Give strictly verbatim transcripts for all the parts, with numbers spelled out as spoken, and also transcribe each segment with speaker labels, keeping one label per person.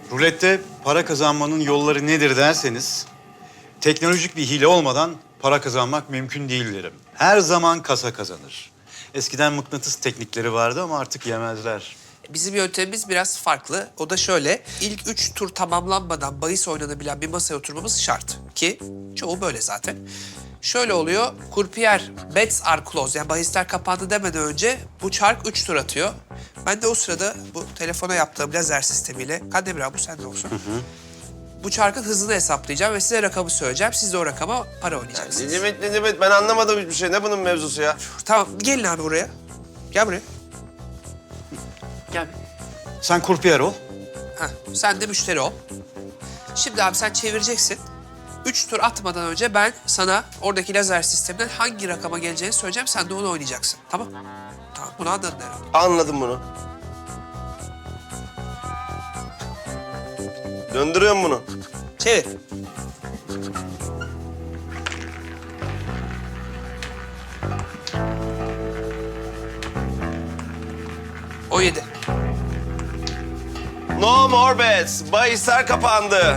Speaker 1: Rulette para kazanmanın yolları nedir derseniz, teknolojik bir hile olmadan para kazanmak mümkün değil derim. Her zaman kasa kazanır. Eskiden mıknatıs teknikleri vardı ama artık yemezler.
Speaker 2: Bizim yöntemimiz biraz farklı. O da şöyle, ilk üç tur tamamlanmadan bahis oynanabilen bir masaya oturmamız şart. Ki çoğu böyle zaten. Şöyle oluyor, kurpiyer, bets are closed, yani bahisler kapandı demeden önce bu çark üç tur atıyor. Ben de o sırada bu telefona yaptığım lazer sistemiyle, Kandemir abi bu sende olsun. Hı hı. Bu çarkın hızını hesaplayacağım ve size rakamı söyleyeceğim. Siz de o rakama para oynayacaksınız.
Speaker 3: Ne demek ne demek ben anlamadım hiçbir şey. Ne bunun mevzusu ya?
Speaker 2: Tamam, gelin abi buraya. Gel buraya. Gel.
Speaker 1: Sen kurpiyer ol.
Speaker 2: Heh, sen de müşteri ol. Şimdi abi sen çevireceksin. Üç tur atmadan önce ben sana oradaki lazer sisteminden hangi rakama geleceğini söyleyeceğim. Sen de onu oynayacaksın. Tamam? Tamam, bunu anladın herhalde.
Speaker 3: Anladım bunu. Döndürüyorum bunu.
Speaker 2: Çevir. O yedi.
Speaker 3: No more bets. Bahisler kapandı.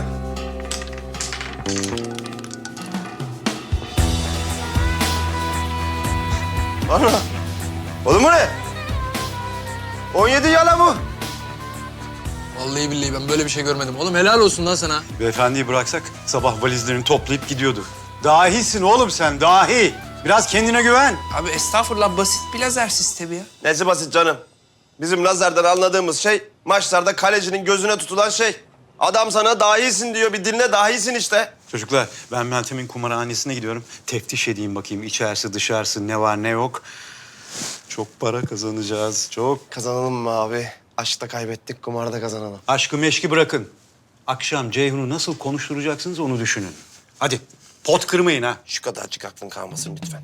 Speaker 3: Ana. Oğlum bu ne? on yedi yala bu.
Speaker 4: Vallahi billahi ben böyle bir şey görmedim. Oğlum helal olsun lan sana.
Speaker 1: Beyefendiyi bıraksak sabah valizlerini toplayıp gidiyordu. Dahisin oğlum sen, dahi. Biraz kendine güven.
Speaker 2: Abi estağfurullah, basit bir lazer sistemi ya.
Speaker 3: Nesi basit canım? Bizim lazerden anladığımız şey maçlarda kalecinin gözüne tutulan şey. Adam sana dahisin diyor, bir dinle dahisin işte.
Speaker 1: Çocuklar, ben Meltem'in kumarhanesine gidiyorum. Teftiş edeyim bakayım içerisi dışarısı ne var ne yok. Çok para kazanacağız, çok.
Speaker 3: Kazanalım mı abi? Aşkta kaybettik, kumarda kazanalım.
Speaker 1: Aşkı meşki bırakın. Akşam Ceyhun'u nasıl konuşturacaksınız onu düşünün. Hadi pot kırmayın ha.
Speaker 3: Şu kadarcık aklın kalmasın lütfen.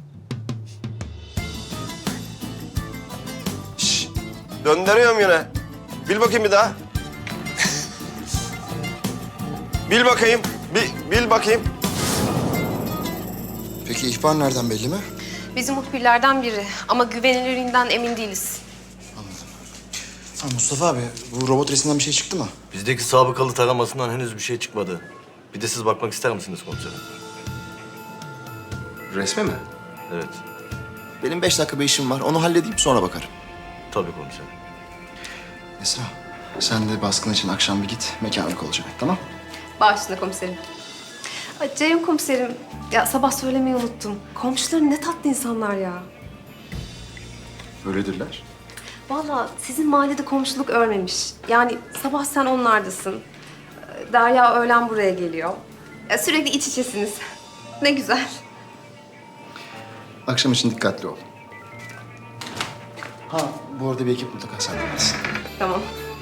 Speaker 3: Şş, döndürüyorum yine. Bil bakayım bir daha. Bil bakayım. Bil, bil bakayım.
Speaker 5: Peki ihbar nereden belli mi?
Speaker 6: Bizim muhbirlerden biri ama güvenilirliğinden emin değiliz.
Speaker 5: Ha, Mustafa abi, bu robot resimden bir şey çıktı mı?
Speaker 7: Bizdeki sabıkalı taramasından henüz bir şey çıkmadı. Bir de siz bakmak ister misiniz komiserim?
Speaker 5: Resme mi?
Speaker 7: Evet,
Speaker 5: Benim beş dakika bir işim var. Onu halledeyim sonra bakarım.
Speaker 7: tabii komiserim.
Speaker 5: Esra, sen de baskın için akşam bir git. Mekanlık olacak, tamam?
Speaker 6: Başüstüne komiserim. Ay, Ceyhun komiserim, ya sabah söylemeyi unuttum. Komşuların ne tatlı insanlar ya.
Speaker 5: Öyledirler.
Speaker 6: Vallahi sizin mahallede komşuluk örmemiş. Yani sabah sen onlardasın. Derya öğlen buraya geliyor. Ya sürekli iç içesiniz. Ne güzel.
Speaker 5: Akşam için dikkatli ol. Ha, bu arada bir ekip mutlaka sende gelsin.
Speaker 6: Tamam.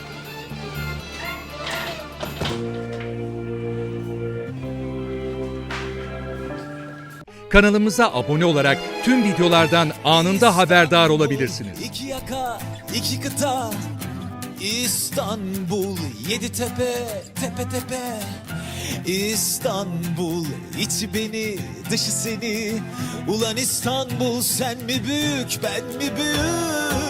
Speaker 8: Kanalımıza abone olarak tüm videolardan anında haberdar olabilirsiniz.
Speaker 9: İki yaka, iki kıta, İstanbul, yedi tepe, tepe tepe. İstanbul, içi beni, dışı seni. Ulan İstanbul, sen mi büyük, ben mi büyük?